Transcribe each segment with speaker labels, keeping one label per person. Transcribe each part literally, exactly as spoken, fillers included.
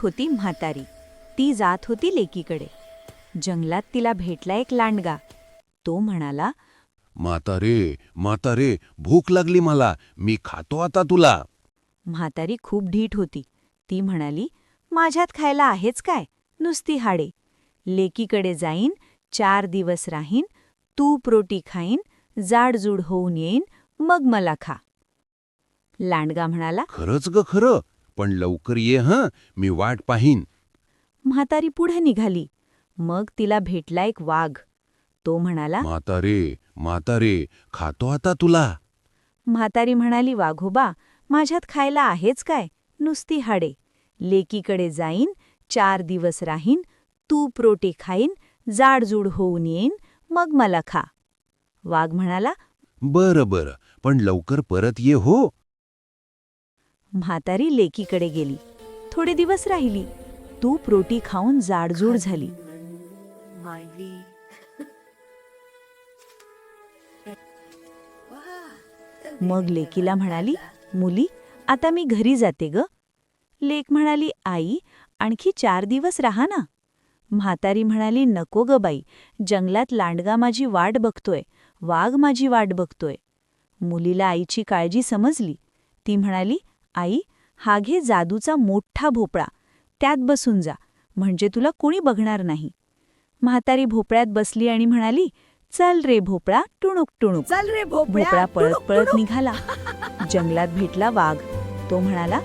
Speaker 1: होती म्हातारी. ती जात होती लेकीकडे. जंगलात तिला भेटला एक लांडगा. तो म्हणाला,
Speaker 2: म्हातारे म्हातारे भूक लागली मला, मी खातो आता तुला.
Speaker 1: म्हातारी खूप ढीठ होती. ती म्हणाली, माझ्यात खायला आहेच काय, नुसती हाडे. लेकीकडे जाईन, चार दिवस राहीन, तूप रोटी खाईन, जाडजूड होऊन येईन, मग मला खा. लांडगा म्हणाला,
Speaker 2: खरंच ग खरं, पण लवकर ये हं, मी वाट पाहीन.
Speaker 1: म्हातारी पुढे निघाली. मग तिला भेटला एक वाघ. तो म्हणाला,
Speaker 2: म्हातारे म्हातारे खातो आता तुला.
Speaker 1: म्हातारी म्हणाली, वाघोबा, माझ्यात खायला आहेच काय, नुसती हाडे. लेकीकडे जाईन, चार दिवस राहीन, तूप रोटी खाईन, जाडजूड होऊन येईन, मग मला खा. वाघ म्हणाला,
Speaker 2: बरं बरं, पण लवकर परत ये हो.
Speaker 1: म्हातारी लेकीकडे गेली. थोडे दिवस राहिली. तूप रोटी खाऊन जाडजूड झाली. मग लेकीला म्हणाली, मुली, आता मी घरी जाते ग. लेक म्हणाली, आई, आणखी चार दिवस राहा ना. म्हातारी म्हणाली, नको ग बाई, जंगलात लांडगा माझी वाट बघतोय, वाघ माझी वाट बघतोय. मुलीला आईची काळजी समजली. ती म्हणाली, आई, हा घे जादूचा मोठा भोपळा, त्यात बसून जा, म्हणजे तुला कोणी बघणार नाही. म्हातारी भोपळ्यात बसली आणि म्हणाली, चल रे भोपळा, टुणूक टुणूक.
Speaker 3: चल रे
Speaker 1: भोपळा पळत
Speaker 3: टुणूक,
Speaker 1: पळत
Speaker 3: टुणूक.
Speaker 1: निघाला. जंगलात भेटला वाघ. तो म्हणाला,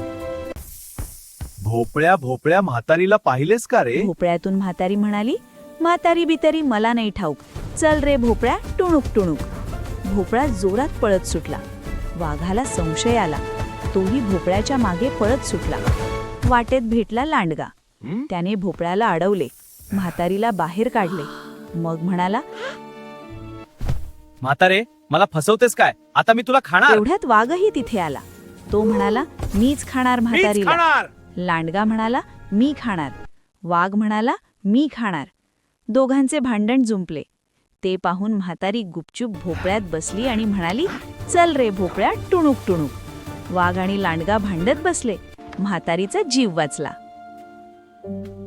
Speaker 4: भोपळ्या भोपळ्या म्हातारीला पाहिलेस का रे?
Speaker 1: भोपळ्यातून म्हातारी म्हणाली, म्हातारी बितारी मला नाही ठाऊक, चल रे भोपळ्या, टुणूक टुणूक. भोपळा जोरात पळत सुटला. वाघाला संशय आला. तोही भोपळ्याच्या मागे पळत सुटला. वाटेत भेटला लांडगा.
Speaker 4: हं?
Speaker 1: त्याने भोपळ्याला अडवले, म्हातारीला बाहेर काढले. मग म्हणाला,
Speaker 4: म्हातारे, मला फसवतेस काय? आता मी तुला खाणार.
Speaker 1: एवढ्यात वाघही तिथे आला. तो म्हणाला, मीच खाणार
Speaker 4: मीच
Speaker 1: म्हातारीला.
Speaker 4: खाणार.
Speaker 1: लांडगा म्हणाला, मी खाणार. वाघ म्हणाला, मी खाणार. दोघांचे भांडण जुंपले. ते पाहून म्हातारी गुपचूप भोपळ्यात बसली आणि म्हणाली, चल रे भोपळ्या, टुणूक टुणूक. वाघ आणि लांडगा भांडत बसले. म्हातारीचा जीव वाचला.